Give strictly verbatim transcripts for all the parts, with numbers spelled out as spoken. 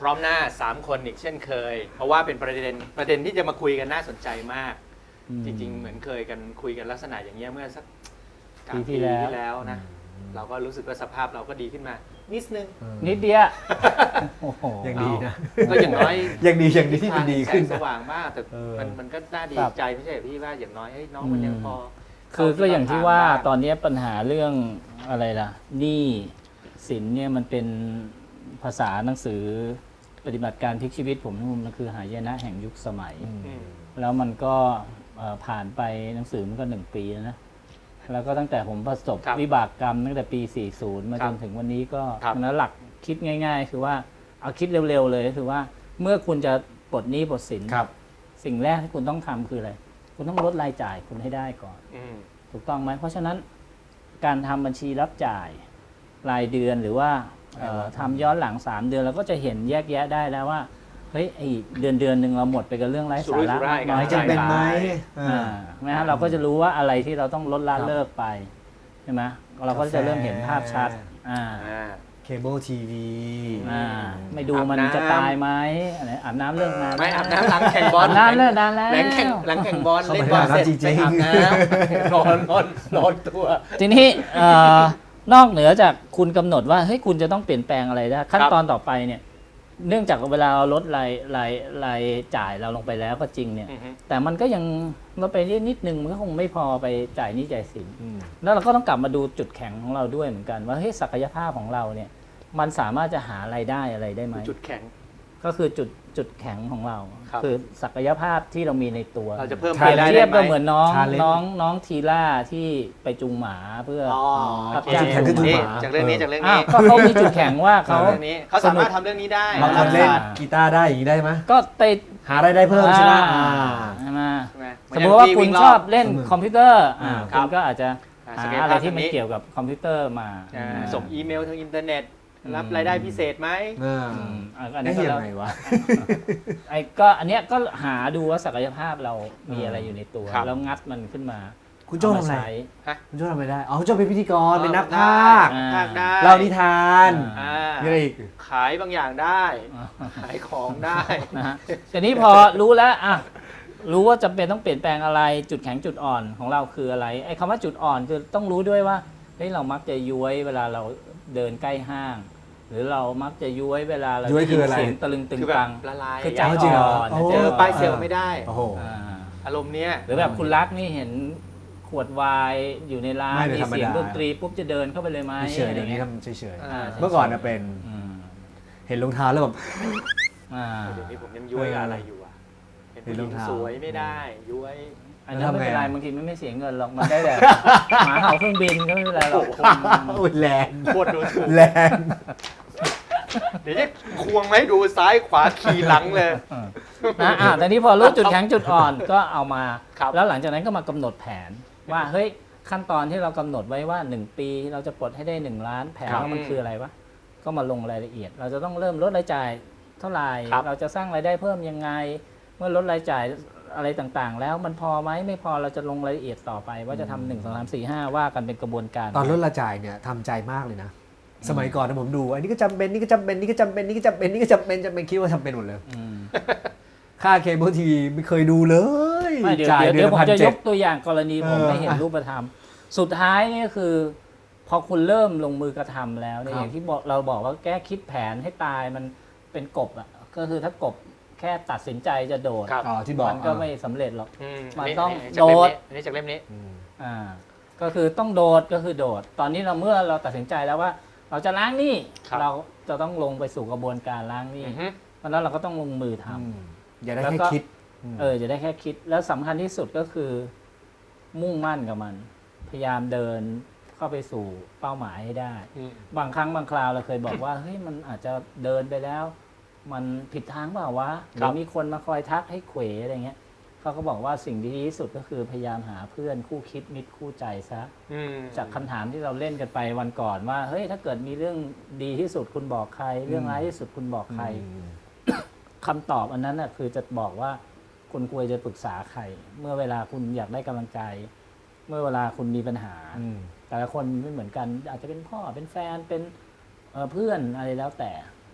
พร้อมหน้าสามคนอีกเช่นเคย เพราะว่าเป็นประเด็นประเด็นที่จะมาคุยกันน่าสนใจมากจริงๆเหมือนเคยกันคุยกันลักษณะอย่างเงี้ยเมื่อสักปีที่แล้วนะเราก็รู้สึกว่าสภาพเราก็ดีขึ้นมานิดนึงนิดเดียวยังดีนะก็อย่างน้อยยังดีอย่างดีที่มันดีขึ้นสว่างบ้างแต่มันมันก็น่าดีใจไม่ใช่พี่ว่าอย่างน้อยให้น้องมันยังพอคือก็อย่างที่ว่าตอนนี้ปัญหาเรื่องอะไรล่ะหนี้สินเนี่ยมันเป็นภาษาหนังสือปฏิบัติการพลิกชีวิตผมมันคือหายนะแห่งยุคสมัยแล้วมันก็ผ่านไปหนังสือมันก็หนึ่งปีแล้วนะแล้วก็ตั้งแต่ผมประสบวิบากกรรมตั้งแต่ปีสี่สิบมาจนถึงวันนี้ก็นั้นหลักคิดง่ายๆคือว่าเอาคิดเร็วๆเลยคือว่าเมื่อคุณจะปลดหนี้ปลดสินสิ่งแรกที่คุณต้องทำคืออะไรคุณต้องลดรายจ่ายคุณให้ได้ก่อนถูกต้องไหมเพราะฉะนั้นการทำบัญชีรับจ่ายรายเดือนหรือว่าทำย้อนหลังสามเดือนเราก็จะเห็นแยกแยะได้แล้วว่าเฮ้ยไอเดือนเดือนหนึ่งเราหมดไปกับเรื่องไร้สาระน้อยจะเป็นไหมนะฮะเราก็จะรู้ว่าอะไรที่เราต้องลดละเลิกไปใช่ไหมเราก็จะเริ่มเห็นภาพชัดเคเบิลทีวีไม่ดูมันจะตายไหมอะไรอาบน้ำเรื่องงานไม่อาบน้ำหลังแข่งบอลน้ำเลิกนานแล้วหลังแข่งหลังแข่งบอลเล่นบอลเสร็จไปอาบน้ำนอนนอนนอนตัวทีนี้นอกเหนือจากคุณกำหนดว่าเฮ้ยคุณจะต้องเปลี่ยนแปลงอะไรได้ขั้นตอนต่อไปเนี่ยเนื่องจากเวลาเราลดรายรายรายจ่ายเราลงไปแล้วก็จริงเนี่ยแต่มันก็ยังลดไปนิดนึงมันก็คงไม่พอไปจ่ายหนี้จ่ายสินแล้วเราก็ต้องกลับมาดูจุดแข็งของเราด้วยเหมือนกันว่าเฮ้ยศักยภาพของเราเนี่ยมันสามารถจะหารายได้อะไรได้ไหมจุดแข็งก็คือจุดจุดแข็งของเราคือศักยภาพที่เรามีในตัวเราจะเพิ่มเปรียบเทียบก็เหมือนน้องน้องน้องทีล่าที่ไปจูงหมาเพื่อรับจ้างจูงหมาจากเรื่องนี้จากเรื่องนี้ก็เขามีจุดแข็งว่าเขาเรื่องนี้เขาสามารถทำเรื่องนี้ได้บางคนเล่นกีตาร์ได้อย่างนี้ได้ไหมก็ไปหารายได้เพิ่มใช่ไหมใช่ไหมสมมติว่าคุณชอบเล่นคอมพิวเตอร์คุณก็อาจจะหาอะไรที่มันเกี่ยวกับคอมพิวเตอร์มาส่งอีเมลทางอินเทอร์เน็ตรับรายได้พิเศษไหมอันนี้ก็ยังไงวะไอ้ก็อันเนี้ยก็หาดูว่าศักยภาพเรามีอะไรอยู่ในตัวแล้วงัดมันขึ้นมาคุณโจ้ทำอะไรคุณโจ้ทำอะไรได้อ๋อคุณโจ้เป็นพิธีกรเป็นนักพากย์พากย์ได้เล่านิทานมีอะไรอีกขายบางอย่างได้ขายของได้นะฮะทีนี้พอรู้แล้วอ่ะรู้ว่าจำเป็นต้องเปลี่ยนแปลงอะไรจุดแข็งจุดอ่อนของเราคืออะไรไอ้คำว่าจุดอ่อนคือต้องรู้ด้วยว่าเฮ้ยเรามักจะย้วยเวลาเราเดินใกล้ห้างหรือเรามักจะย้วยเวลาเราได้ยินเสียงตะลึงตึงตังละลายคือใจอ่อนเจอป้ายเซลไม่ได้อารมณ์เนี้ยหรือแบบคุณรักนี่เห็นขวดไวน์อยู่ในร้านมีเสียงดนตรีปุ๊บจะเดินเข้าไปเลยไหมเฉยๆอย่างนี้ทำเฉยๆเมื่อก่อนเป็นเห็นรองเท้าแล้วแบบเดี๋ยวนี้ผมยังย้วยอะไรอยู่อ่ะเห็นรองเท้าสวยไม่ได้ย้วยอันนั้นไม่เป็นไรบางทีมันไม่เสียเงินหรอกมันได้แต่หมาเห่าเครื่องบินก็ไม่เป็นไรหรอกแรงโคตรดูถูกแรงเดี๋ยวจะควงไหมดูซ้ายขวาขี่หลังเลยนะอ่ะแต่นี้พอรู้จุดแข็งจุดอ่อนก็เอามาแล้วหลังจากนั้นก็มากำหนดแผนว่าเฮ้ยขั้นตอนที่เรากำหนดไว้ว่าหนึ่งปีเราจะปลดให้ได้หนึ่งล้านแผนว่ามันคืออะไรวะก็มาลงรายละเอียดเราจะต้องเริ่มลดรายจ่ายเท่าไหร่เราจะสร้างรายได้เพิ่มยังไงเมื่อลดรายจ่ายอะไรต่างๆแล้วมันพอไหมไม่พอเราจะลงรายละเอียดต่อไปว่าจะทำหนึ่งสองสามสี่ห้าว่ากันเป็นกระบวนการตอนลดรายจ่ายเนี่ยทำใจมากเลยนะสมัยก่อนนะผมดูอันนี้ก็จำเป็นนี่ก็จำเป็นนี่ก็จำเป็นนี่ก็จำเป็นนี่ก็จำเป็นจำเป็นคิดว่าจำเป็นหมดเลยค่าเคเบิลทีวีไม่เคยดูเลยจ่ายเดี๋ยวผมจะยกตัวอย่างกรณีผมไม่เห็นรูปธรรมสุดท้ายนี่คือพอคุณเริ่มลงมือกระทำแล้วเนี่ยอย่างที่เราบอกว่าแก้คิดแผนให้ตายมันเป็นกบอ่ะก็คือถ้ากบแค่ตัดสินใจจะโดดมันก็ไม่สำเร็จหรอกมันต้องโดดอันนี้จากเล่มนี้อ่าก็คือต้องโดดก็คือโดดตอนนี้เราเมื่อเราตัดสินใจแล้วว่าเราจะล้างหนี้เราจะต้องลงไปสู่กระบวนการล้างหนี้เพราะนั้นเราก็ต้องลงมือทำอย่าได้แค่คิดเอออย่าได้แค่คิดแล้วสำคัญที่สุดก็คือมุ่งมั่นกับมันพยายามเดินเข้าไปสู่เป้าหมายให้ได้บางครั้งบางคราวเราเคยบอกว่าเฮ้ยมันอาจจะเดินไปแล้วมันผิดทางเปล่าวะหรือมีคนมาคอยทักให้เขวอะไรเงี้ยเขาก็บอกว่าสิ่งที่ดีที่สุดก็คือพยายามหาเพื่อนคู่คิดมิตรคู่ใจซะจากคำถามที่เราเล่นกันไปวันก่อนว่าเฮ้ยถ้าเกิดมีเรื่องดีที่สุดคุณบอกใครเรื่องร้ายที่สุดคุณบอกใครคำตอบอันนั้นน่ะคือจะบอกว่าคุณควรจะปรึกษาใครเมื่อเวลาคุณอยากได้กำลังใจเมื่อเวลาคุณมีปัญหาแต่ละคนไม่เหมือนกันอาจจะเป็นพ่อเป็นแฟนเป็นเพื่อนอะไรแล้วแต่ก็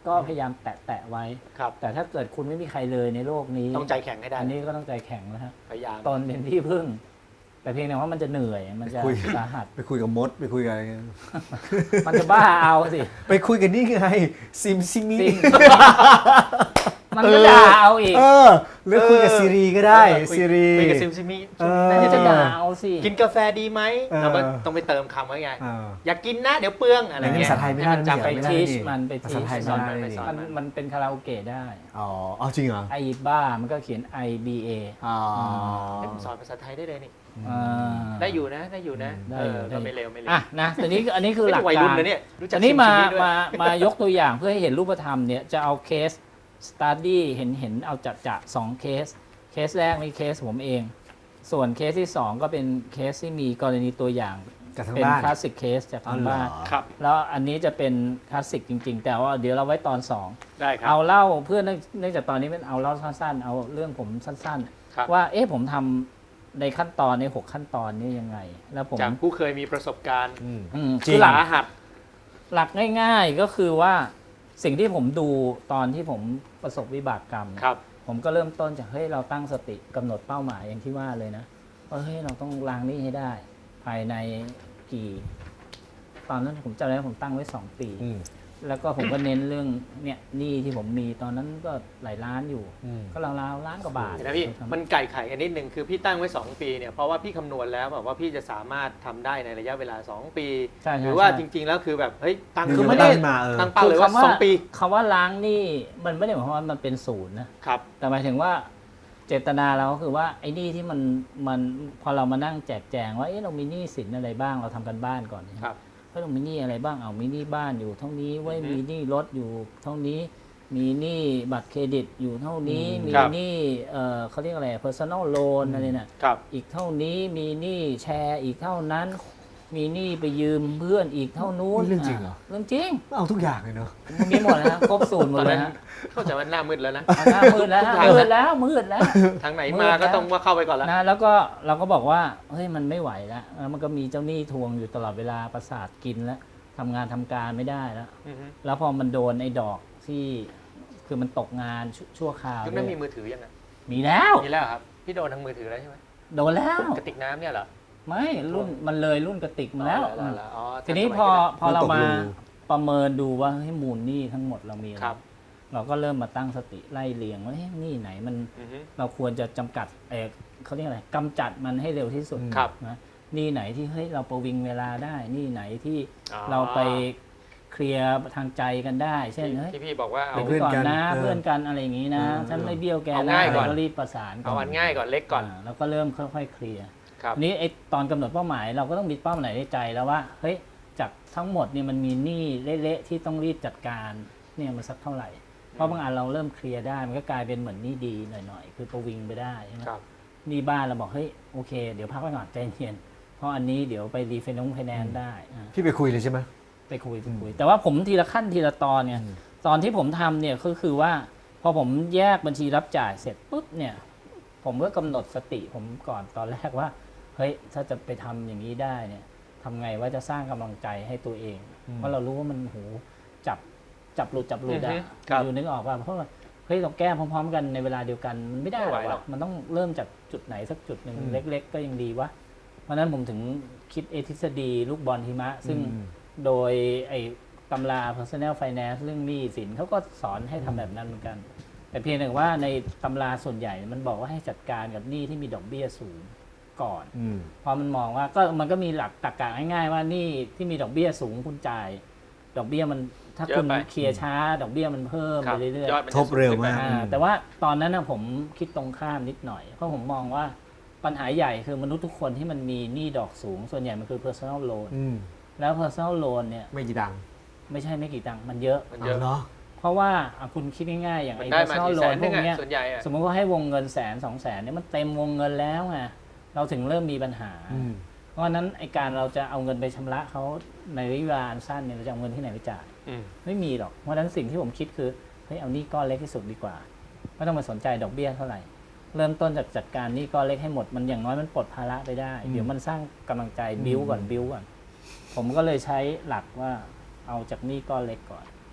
ก็พยายามแตะแตะไว้ครับแต่ถ้าเกิดคุณไม่มีใครเลยในโลกนี้ต้องใจแข็งให้ได้อันนี้ก็ต้องใจแข็งแล้วฮะพยายามตนเป็นที่พึ่ง แต่เพียงแต่ว่ามันจะเหนื่อยมันจะคุยสาหัสไปคุยกับมดไปคุยกับอะไรเงี้ยมันจะบ้าเอาสิไปคุยกันนี่ไงซิมซิมิจริง มันก็ด่าเอาอีกเออหรือคุยกับซีรีก็ได้เออคุยซีรีคุยกับซิมซิมิเออมันจะด่าเอาสิกินกาแฟดีไหมเออเราก็ต้องไปเติมคำไว้ไงเอออยากกินนะเดี๋ยวเปลืองอะไรแต่นี่เงี้ยภาษาไทยไม่ได้ให้นจำไปไม่ได้ทีชนี่มันไปภาทีษาชไทยสอนไม่ไปได้สอนมันมันเป็นคาราโอเกะได้อ๋อเอาจริงเหรอไอบ้ามันก็เขียน I B A อ๋อให้ผมสอนภาษาไทยได้เลยนี่อ่าได้อยู่นะได้อยู่นะได้เออยู่อได้ก็ไม่เร็วไม่เร็วอ่ะนะแต่นี้อันนี้คือหลักวัยการุ่นรนะเนี่ยรู้จักอันนี้มาซิซิด้วยมามายกตัวอย่างเพื่อให้เห็นรูปธรรมเนี่ยจะเอาเคส study เห็นเห็นเอาจัดจะสองเคส เคสแรกนี่เคสผมเอง ส่วนเคสที่สองก็เป็นเคสที่มีกรณีตัวอย่างจากทางเป็นบ้านคลาสสิกเคสจากอ๋อทางเหรอบ้านครับแล้วอันนี้จะเป็นคลาสสิกจริง ๆ แต่ว่าเดี๋ยวเราไว้ตอนสองได้ครับเอาเล่าเพื่อเนื่องเนื่องจากตอนนี้เป็นเอาเล่าสั้นๆ เอาเรื่องผมสั้นครับๆ ว่าเอ๊ะผมทำในขั้นตอนในหกขั้นตอนนี้ยังไง แล้วผมจากผู้เคยมีประสบการณ์อืมอืมจริงคือหลักสาหัสหลักง่าย ๆก็คือว่าสิ่งที่ผมดูตอนที่ผมประสบวิบากกรรมเนี่ยครับผมก็เริ่มต้นจากเฮ้ยเราตั้งสติกำหนดเป้าหมายอย่างที่ว่าเลยนะว่าเฮ้ยเราต้องล้างหนี้ให้ได้ ภายในกี่ ตอนนั้นผมจำได้ว่าผมตั้งไว้สองปีอืมแล้วก็ผมก็เน้นเรื่องเนี่ยหนี้ที่ผมมีตอนนั้นก็หลายล้านอยู่อืมก็ราวๆล้านกว่าบาทเห็นไหมพี่มันไก่ไข่กันนิดนึงคือพี่ตั้งไว้ สอง ปีเนี่ยเพราะว่าพี่คำนวณแล้วแบบว่าพี่จะสามารถทำได้ในระยะเวลา สอง ปีใช่ใช่หรือว่าใช่จริง ๆ แล้วคือแบบเฮ้ยตั้งคือคือไม่ไม่ได้ได้มาเออตั้งเป้าเลยว่าคือคำสอง ปีคำว่าล้างหนี้มันไม่ได้หมายความว่ามันเป็นศูนย์นะครับ แต่หมายถึงว่าเจตนาเราก็คือว่าไอ้หนี้ที่มันมันพอเรามานั่งแจกแจงว่าเอ๊ะเรามีหนี้สินอะไรบ้างเราทำกันบ้านก่อนครับเฮ้ยเรามีหนี้อะไรบ้างเอามีหนี้บ้านอยู่เท่านี้ไว้ยอือฮึมีหนี้รถอยู่เท่านี้ มีหนี้บัตรเครดิตอยู่เท่านี้อืมมีครับหนี้เอ่อเขาเรียกอะไร personal loan อะไรเนี่ยครับอีกเท่านี้มีหนี้แชร์อีกเท่านั้น มีหนี้ไปยืมเพื่อนอีกเท่านู้นนี่เรื่องจริงเหรอเรื่องจริงเอาทุกอย่างเลยเนาะมันมีหมดนะฮะครบสูตรหมตอดนเลนั้ยนฮะเข้าใจว่าหน้ามืดแล้วนะเอาหน้ามืดแล้วฮะทุกทางมืดแล้วมืดแล้วทางไหนมืดมาแล้วก็ต้องว่าเข้าไปก่อนแล้วนะแล้วก็เราก็บอกว่าเฮ้ยมันไม่ไหวแล้วแล้วมันก็มีเจ้าหนี้ทวงอยู่ตลอดเวลาประสาทกินแล้วทำงานทำการไม่ได้แล้วอือฮึแล้วพอมันโดนไอ้ดอกที่คือมันตกงานชั่วชั่วคราวยุคนั้นด้มีวยมือถือยังไงมีแล้วมีแล้วครับพี่โดนทางมือถือแล้วใช่ไหมโดนแล้วกระติกน้ำเนี่ยเหรอไม่รุ่นมันเลยรุ่นกระติกมาแล้วอ๋อเหรออ๋อทีนี้สมัยพอนั้นพอเรามันตกมารูประเมินดูว่าให้มูลหนี้ทั้งหมดเรามีอะไรครับเราก็เริ่มมาตั้งสติไล่เรียงว่าเฮ้ยหนี้ไหนมันอือฮึเราควรจะจำกัดเออเขาเรียกอะไรกำจัดมันให้เร็วที่สุดครับนะหนี้ไหนที่เฮ้ยเราประวิงเวลาได้หนี้ไหนที่อ๋อเราไปเคลียร์ทางใจกันได้ เช่นเฮ้ยที่พี่บอกว่าเอาเป็นเพื่เพื่ออน นกักัน นนะเออเพื่อนกันอะไรอย่างนี้นะเออฉันไม่เบี้ยวแกเอานะง่ายก่อนก็รีบประสานเอาอันง่ายก่อนเล็กก่อนาแล้วก็เริ่มค่อยๆเคลียร์ครับทีนี้ไอ้ตอนกำหนดเป้าหมายเราก็ต้องมีเป้าหมายในใจแล้วว่าเฮ้ยจากทั้งหมดเนี่ยมันมีหนี้เละๆที่ต้องรีบจัดการเนี่ยมันสักเท่าไหร่ เพราะบางอันเราเริ่มเคลียร์ได้มันก็กลายเป็นเหมือนหนี้ดีหน่อยๆคือประวิงไปได้ใช่ไหมครับหนี้บ้านเราบอกเฮ้ยโอเคเดี๋ยวพักไว้ก่อนใจเย็นเพราะอันนี้เดี๋ยวไปรีไฟแนนซ์ไฟแนนซ์ได้อ่าพี่ไปคุยเลยใช่ไหมไปคุยไปคุยแต่ว่าผมทีละขั้นทีละตอนเนี่ยอืมตอนที่ผมทำเนี่ยก็คือว่า พอผมแยกบัญชีรับจ่ายเสร็จปุ๊บเนี่ย ผมก็กำหนดสติผมก่อนตอนแรกว่าเฮ้ยถ้าจะไปทำอย่างนี้ได้เนี่ยทำไงว่าจะสร้างกำลังใจให้ตัวเอง เพราะเรารู้ว่ามันโหจับจับหลุดจับหลุดอือะอฮึครับอยู่นึกออกว่าเพราะว่าเฮ้ยเราแก้พร้อม ๆ กันในเวลาเดียวกันมันไม่ได้ไม่ไหวหหรรออก กมันต้องเริ่มจากจุดไหนสักจุดหนึ่งอืมเล็ก ๆ ก็ยังดีวะเพราะฉะนั้นผมถึงคิดเอทฤษฎีลูกบอลหิมะ ซึ่งอืมโดยไอ้ตำรา personal finance เรื่องหนี้สินเขาก็สอนให้ทำแบบนั้นเหมือนกัน แต่เพียงแต่ว่าในตำราส่วนใหญ่มันบอกว่าให้จัดการกับหนี้ที่มีดอกเบี้ยสูงก่อนอืมเพราะมันมองว่าก็มันก็มีหลักตรรกะง่ายๆว่าหนี้ที่มีดอกเบี้ยสูงคุณจ่าย ดอกเบี้ยมันถ้าเยอะคุณไปเคลียร์ช้า ดอกเบี้ยมันเพิ่มครัไปบเรื่อยยอดมันจะทบเร็วมากๆอ่าแต่ว่าตอนนั้นนะผมคิดตรงข้ามนิดหน่อย เพราะผมมองว่าปัญหาใหญ่คือมนุษย์ทุกคนที่มันมีหนี้ดอกสูง ส่วนใหญ่มันคือ personal loan อืมแล้ว personal loan เนี่ยไม่กี่ดังไม่ใช่ไม่กี่ตังค์มันเยอะมันเยอะาเหรอเพราะว่าอ่ะคุณคิดง่ายๆอย่างมันไอ้ได้มา personal กี่แส loan นพนึวงกอะเนี้ยส่วนใหญ่อะสมมติว่าให้วงเงินแสนสองแสนเนี่ยมันเต็มวงเงินแล้วไงเราถึงเริ่มมีปัญหาอืมเพราะฉะนั้นไอการเราจะเอาเงินไปชำระเขาในระยะเวลาอันสั้นเนี่ยเราจะเอาเงินที่ไหนไปจ่ายอืมไม่มีหรอกเพราะฉะนั้นสิ่งที่ผมคิดคือเฮ้ยเอาหนี้ก้อนเล็กที่สุดดีกว่าไม่ต้องมาสนใจดอกเบี้ยเท่าไหร่ เริ่มต้นจากจัดการหนี้ก้อนเล็กให้หมดมันอย่างน้อยมันปลดภาระไปได้อืมเดี๋ยวมันสร้างกำลังใจอืมบิ้วก่อนบิ้วก่อนผมก็เลยใช้หลักว่าเอาจากหนี้ก้อนเล็กก่อน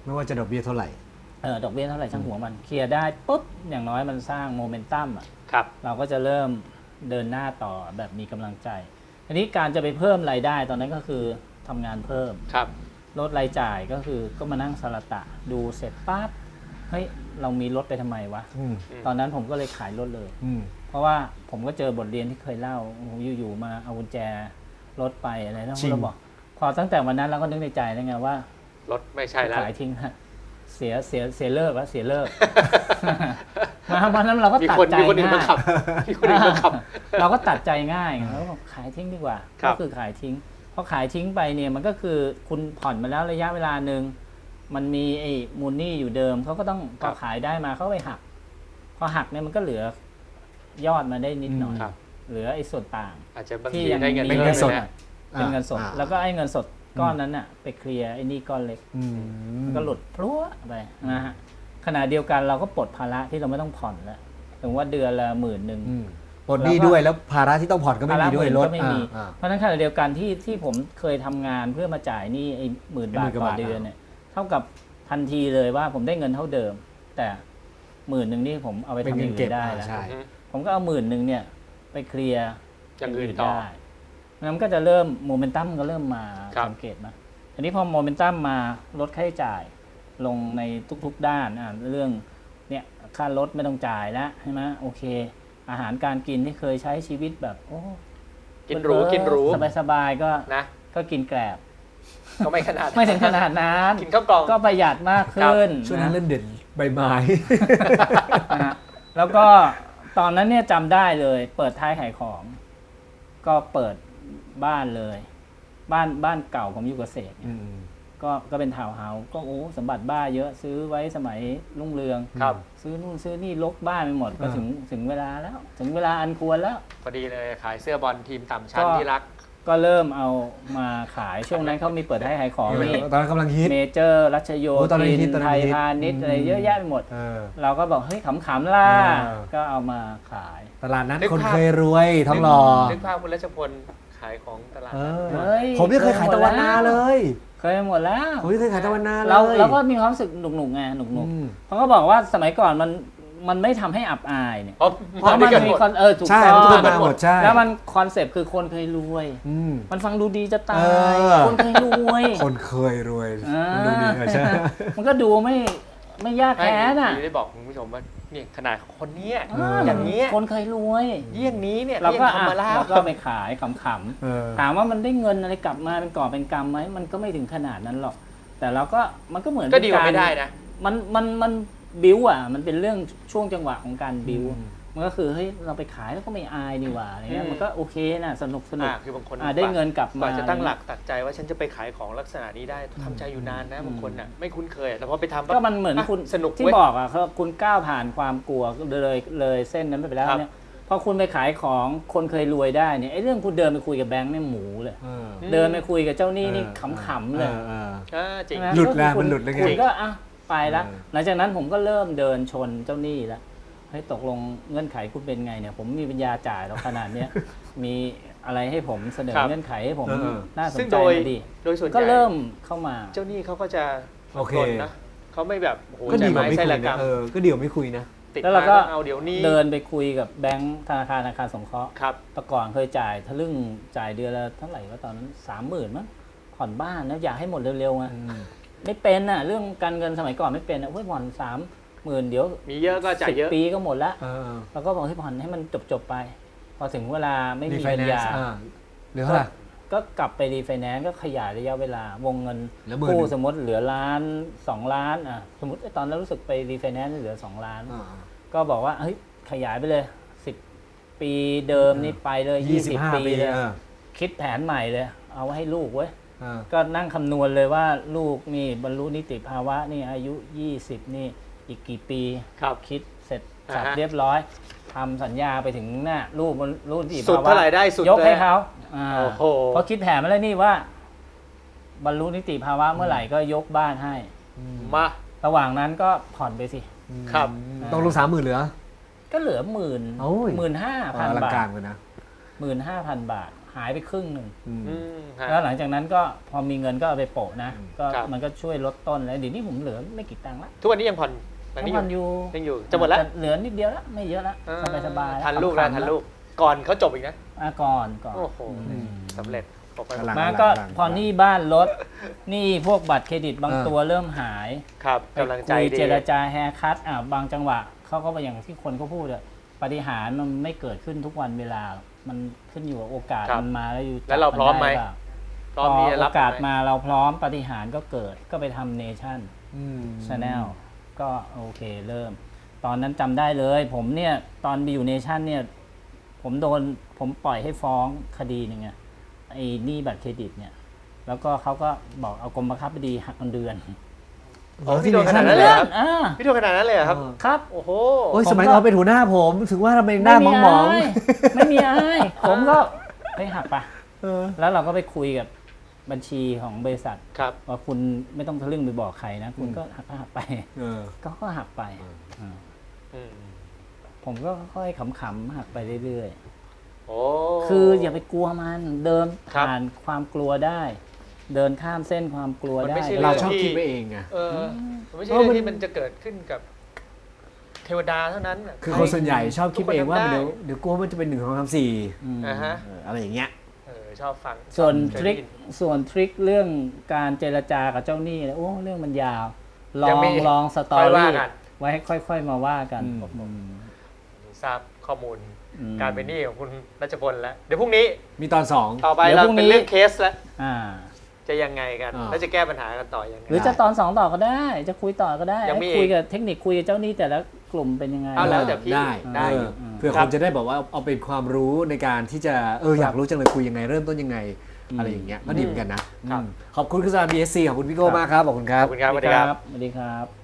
ไม่ว่าจะดอกเบี้ยเท่าไหร่เออดอกเบี้ยเท่าไหร่ช่างหัวมันเคลียร์ได้ปุ๊บอย่างน้อยมันสร้างโมเมนตัมอ่ะครับเราก็จะเริ่มเดินหน้าต่อแบบมีกำลังใจอันนี้การจะไปเพิ่มรายได้ตอนนั้นก็คือทำงานเพิ่มครับลดรายจ่ายก็คือก็มานั่งสลัดตะดูเสร็จปั๊บเฮ้ยเรามีรถไปทำไมวะอืมตอนนั้นผมก็เลยขายรถเลยอืมเพราะว่าผมก็เจอบทเรียนที่เคยเล่าโอ้โหอยู่ๆมาเอากุญแจรถไปอะไรนะเราบอกพอตั้งแต่วันนั้นเราก็นึกในใจแล้วไงว่ารถไม่ใช่แล้วขายทิ้งฮะเสียเสียเสียเลิกแล้วเสียเลิก มาวันนั้นเราก็มีตัดคนใจมีคนอื่นมาง่ายขับมีคนอื่นมาขับเราก็ตัดใจง่ายแล้วก็บอกขายทิ้งดีกว่าครัก็บคือขายทิ้งพอขายทิ้งไปเนี่ยมันก็คือคุณผ่อนมาแล้วระยะเวลาหนึ่งมันมีไอ้มูลหนี้อยู่เดิมเขาก็ต้องพอขายได้มาเขาไปหักพอหักเนี่ยมันก็เหลือยอดมาได้นิดหน่อยครับเหลือไอ้ส่วนต่างอาจจะบางที่ทียังได้เงินมีเพิ่มเงินสดเลยนะเป็นเงินสดอ่าแล้วก็ไอ้เงินสดก้อนนั้นน่ะไปเคลียร์ไอ้หนี่ก้อนเล็กอืมมันก็หลุดพลัวไปนะฮะขณะเดียวกันเราก็ปลดภาระที่เราไม่ต้องผ่อนแล้วถึงว่าเดือนละหมื่นหนึ่งอืมปลดหนี้ด้วยแล้วภาระที่ต้องผ่อนก็ไม่มีด้วยภาระรถก็ไม่มีอ่าเพราะฉะนั้นขณะเดียวกันที่ที่ผมเคยทำงานเพื่อมาจ่ายหนี้ไอ้หมื่นไอ้บาหมื่ทนกว่าต่อบาทเดือนเนี่ยเท่ากับทันทีเลยว่าผมได้เงินเท่าเดิม แต่หมื่นหนึ่งนี่ผมเอาไปเป็นทำอเงิย่าน งเก็อื่บนได้อ่าแล้วใช่ผมก็เอาหมื่นหนึ่งเนี่ยไปเคลียร์อย่างอื่นต่อได้มันก็จะเริ่มโมเมนตัมก็เริ่มมาครับสังเกตนะอันนี้พอโมเมนตัมมาลดค่าใช้จ่ายลงในทุกๆด้านอ่ะเรื่องเนี่ยค่ารถไม่ต้องจ่ายแล้วใช่ไหมโอเค อาหารการกินที่เคยใช้ชีวิตแบบโอ้กินหรูกินหรูสบายๆก็นะก็กินแกลบก็ไม่ขนาดไม่ถึงขนาดนั้นกินข้าวกล่องก็ประหยัดมากขึ้นช่วงนั้นนะเล่นเด่นใบไม้นะฮะแล้วก็ตอนนั้นเนี่ยจำได้เลย เปิดท้ายขายของ ก็เปิดบ้านเลย บ้านบ้านเก่าผมอยู่เกษตรเนี่ยก็ก็เป็นทาวน์เฮาส์ก็โอ้สมบัติบ้าเยอะซื้อไว้สมัยรุ่งเรืองครับซื้อนู่นซื้อนี่ลกบ้านไปหมดก็อ่าถึงถึงเวลาแล้ว ถึงเวลาอันควรแล้วพอดีเลยขายเสื้อบอลทีมต่ำชั้นก็ที่รักก็เริ่มเอามาขายช่วงนั้นเขามีเปิดให้ขายของนี่ตอนนั้นกำลังฮิตเมเจอร์รัชโยโอ้ตอนนั้นฮิธิตนตอนนั้ไทนยฮิตพาณิชย์อืมอะไรเยอะแยะไปหมดเออเราก็บอกเฮ้ยขำๆล่ะเออก็เอามาขายตลาดนั้นนึกคนภาพเคยรวยท้องหล่อนึกภาพคุณรัชพลขายของตลาดเอนัดอเฮ้ยผมยังเคยขายตะวันนาเลยเคยหมดแล้วผมยังเคยขายตะวันนาเลยเราเราก็มีความรู้สึกหนุกๆไงหนุกอืมๆเขาก็บอกว่าสมัยก่อนมันมันไม่ทำให้อับอายเนี่ยเพราะเพราะมันมีคอนเออถูกใช่ต้อมันทุกงคนมาหมดใช่แล้วมันคอนเซปต์คือคนเคยรวยอืมมันฟังดูดีจะตาเอย อคนเคยรวยคนเคยรวยอ่ามัมันดูดีเออใช่มันก็ดูไม่ไม่ยากไม่แค้นอ่ะได้บอกคุณผู้ชมว่าเนี่ยขนาดคนเนี้ยอ่าอย่างเนี้ยคนเคยรวยเยี่ยงนี้เนี่ยเราก็ยังทำมาแล้วเราก็ไปขายขำๆเออถามว่ามันได้เงินอะไรกลับมาเป็นก่อบเป็นกำไหมมันก็ไม่ถึงขนาดนั้นหรอก แต่เราก็มันก็เหมือนก็ดีกว่าเป็นรไม่ได้นะมันมันมันบิวอ่ะมันเป็นเรื่องช่วงจังหวะของการบิวอืมมันก็คือเฮ้ยเราไปขายแล้วก็ไม่อายนี่หว่าอะไรเงี้ยอืมมันก็โอเคนะสนุกสนุกอ่าคือบางคนอ่าได้เงินกลับกว่มาจะตั้งหลักตัดใจว่าฉันจะไปขายของลักษณะนี้ได้ทำใจอยู่นานนะบางคนน่ะไม่คุ้นเคยแต่พอไปทำปั๊บก็มันเหมือนคุณสนุกที่เว้ยบอกอ่ะเขาคุณก้าวผ่านความกลัวเลยเลยเส้นนั้นไปแล้วครับเนี่ยพอคุณไปขายของคนเคยรวยได้เนี่ยไอ้เรื่องคุณเดินไปคุยกับแบงค์เนี่ยหมูเลยเออเดินไปคุยกับเจ้าหนี้นี่เออขำๆเลยอออออ่าจริงใช่ไมหลุดแล้วก็คือคุณมันหลุดแล้วไงคุณก็อ่ะไปแล้วเออหลังจากนั้นผมก็เริ่มเดินชนเจ้าหนี้แล้วเฮ้ยตกลงเงื่อนไขคุณเป็นไงเนี่ย ผมมีปัญญาจ่ายแล้วขนาดเนี้ย มีอะไรให้ผมเสนอครับเงื่อนไขให้ผมเออน่าสนซึ่งใจโดยหน่อยดีโดยส่วนใหญ่ก็เริ่มเข้ามาเจ้าหนี้เขาก็จะโอเคทนนะเขาไม่แบบโอ้โหก็ใจดีกว่าไม้ไม่ใช่คุยละกรรนะมเออก็ดีกว่าไม่คุยนะติดแล้วมาเราก็ต้องเอาเดี๋ยวนี้เดินไปคุยกับแบงค์ธนาคารอาคารสงเคราะห์ครับแต่ก่อนเคยจ่ายทะลึ่งจ่ายเดือนละเท่าไหร่ว่าตอนนั้นสามหมื่นมั้งผ่อนบ้านนะอยากให้หมดเร็วๆไงไม่เป็นอ่ะเรื่องการเงินสมัยก่อนไม่เป็นอ่ะเฮ้ยผ่อนสามหมื่นเดี๋ยวมีเยอะก็จ่ายสิบเยอะปีก็หมดละเออเราก็บอกให้ผ่อนให้มันจบๆไป พอถึงเวลาไม่รีมีไฟปัญแนนญาซ์อ่าเหลือเท่าไหร่ก็กลับไปรีไฟแนนซ์ก็ขยายระยะเวลาวงเงินเหลือหมื่นกู้สมมติเหลือล้านสองล้านอ่ะสมมติตอนนั้นรู้สึกไปรีไฟแนนซ์เหลือสองล้านอ่าก็บอกว่าเฮ้ยขยายไปเลยสิบปีเดิมนี่ไปเลยยี่สิบปีปีเลยเออคิดแผนใหม่เลย เอาไว้ให้ลูกเว้ยเออก็นั่งคำนวณเลยว่าลูกนี่บรรลุนิติภาวะนี่อายุยี่สิบนี่อีกกี่ปีครับคิดเสร็จอ่าฮะสับเรียบร้อยทำสัญญาไปถึงหน้าลูกบรรลุนิติสุดภาวะเท่าไหร่ได้สุดยกให้เลยเขาอ่าโอ้โหเพราะคิดแผนมาแล้วนี่ว่า บรรลุนิติภาวะเมื่อไหร่ก็ยกบ้านให้มาระหว่างนั้นก็ผ่อนไปสิครับต้องลงสามหมื่นเหลือก็เหลือหมื่นโอ้ยหมื่นห้าพันอลังบาการทเลยนะหมื่นห้าพันบาทหายไปครึ่งหนึ่งอืมอืมฮะแล้วหลังจากนั้นก็พอมีเงินก็เอาไปโปะนะก็ครับมันก็ช่วยลดต้นแล้วเดี๋ยวนี้ผมเหลือไม่กี่ตังค์ละทุกวันนี้ยังผ่อนหลังนี้ผ่อนอยู่ยังอยู่จะหมดแล้วเหลือนิดเดียวละไม่เยอะละเออสบายสบายๆทันลูกแล้วขำๆทันลูกก่อนเขาจบอีกนะอ่ะก่อนก่อนโอ้โหอืมสำเร็จออกไปกำลังมาก็พอหนี้บ้านลดหนี้พวกบัตรเครดิตบางเออตัวเริ่มหายครับไปกำลังใจคุยดีเจรจาแฮร์คัตอ่ะบางจังหวะเขาก็อย่างที่คนเขาพูดอะปาฏิหาริย์มันไม่เกิดขึ้นทุกวันเวลาหรอกมันขึ้นอยู่กับโอกาสครับมันมาแล้วอยู่แล้วเราพร้อมไหมจับนด้เปล่าพร้อมพอที่จะโอรับกาสไหมาเราพร้อมปาฏิหาริย์ก็เกิดก็ไปทำเนชั่นอืมชาแนลก็โอเคเริ่ม ตอนนั้นจำได้เลย ผมเนี่ยตอนไปอยู่เนชั่นเนี่ยผมโดนผมปล่อยให้ฟ้องคดีหนึ่งอะไอ้หนี้บัตรเครดิตเนี่ยแล้วก็เขาก็บอกเอากรมบังคับคดีหักเงินเดือนอ๋อพี่โดนขนาดนั้นเลยเหรอครับอ่าพี่โดนขนาดนั้นเลยเหรอครับครับโอ้โหโอ้ยผมสมัยก็เราเป็นหัวหน้าผมถึงว่าทำไมหน้ามองมองายไม่มีอายผมก็ไปหักปะเออแล้วเราก็ไปคุยกับบัญชีของบริษัทครับว่าคุณไม่ต้องทะลึ่งไปบอกใครนะ คุณก็หักก็หักไปเออก็ก็หักไปาอืมผมก็ค่อยๆขำๆหักไปเรื่อยโอ้ๆ คืออย่าไปกลัวมันเดินครับผ่านความกลัวได้ เดินข้ามเส้นความกลัวมันได้ไม่ใช่เรางชอบคิดไปเองไงเออมันไม่ใช่เพราะเรื่อมันงที่มันจะเกิดขึ้นกับเทวดาเท่านั้นน่ะคือคนส่วนใหญ่ชอบคิดไปเองว่าทุกคนทำได้เดี๋ยวเดี๋ยวกลัวมันจะเป็นหนึ่งสองสามสี่อืมอ่าฮะเอออะไรอย่างเงี้ยเออชอบฟังส่วนเคทยริได้คยินส่วนทริคเรื่องการเจรจากับเจ้าหนี้เนี่ยโอ้เรื่องมันยาว ลยัอง งมีลองสตอค่อยว่ารี่กันไว้ให้ค่อย ๆ มาว่ากันอืมอืมทราบข้อมูลอืมการเป็นหนี้ของคุณรัชพลแล้ว เดี๋ยวพรุ่งนี้มีตอนสองต่อไปเดี๋ยวเราพรุ่งนี้เป็นเรื่องเคสแล้วอ่าจะยังไงกันอ่าแล้วจะแก้ปัญหากันต่อยังไงหรือจะตอนสองต่อก็ได้ จะคุยต่อก็ได้ยังมีคุยกับเทคนิคคุยกับเจ้าหนี้แต่ละกลุ่มเป็นยังไงเอาแล้วแต่พี่ได้ได้เอออืมเพื่อครัคบนจะได้บอกว่าเอาเป็นความรู้ในการที่จะเอออยากรู้จังเลยคุยยังไงเริ่มต้นยังไง อะไรอย่างเงี้ยก็ดีเหมือนกันนะครับ อืมขอบคุณคุณสาร บี เอส ซี ขอบคุณพี่โก้มากครับขอบคุณคขรัอบ บคุณครับสวัสดีครับสวัสดีครับ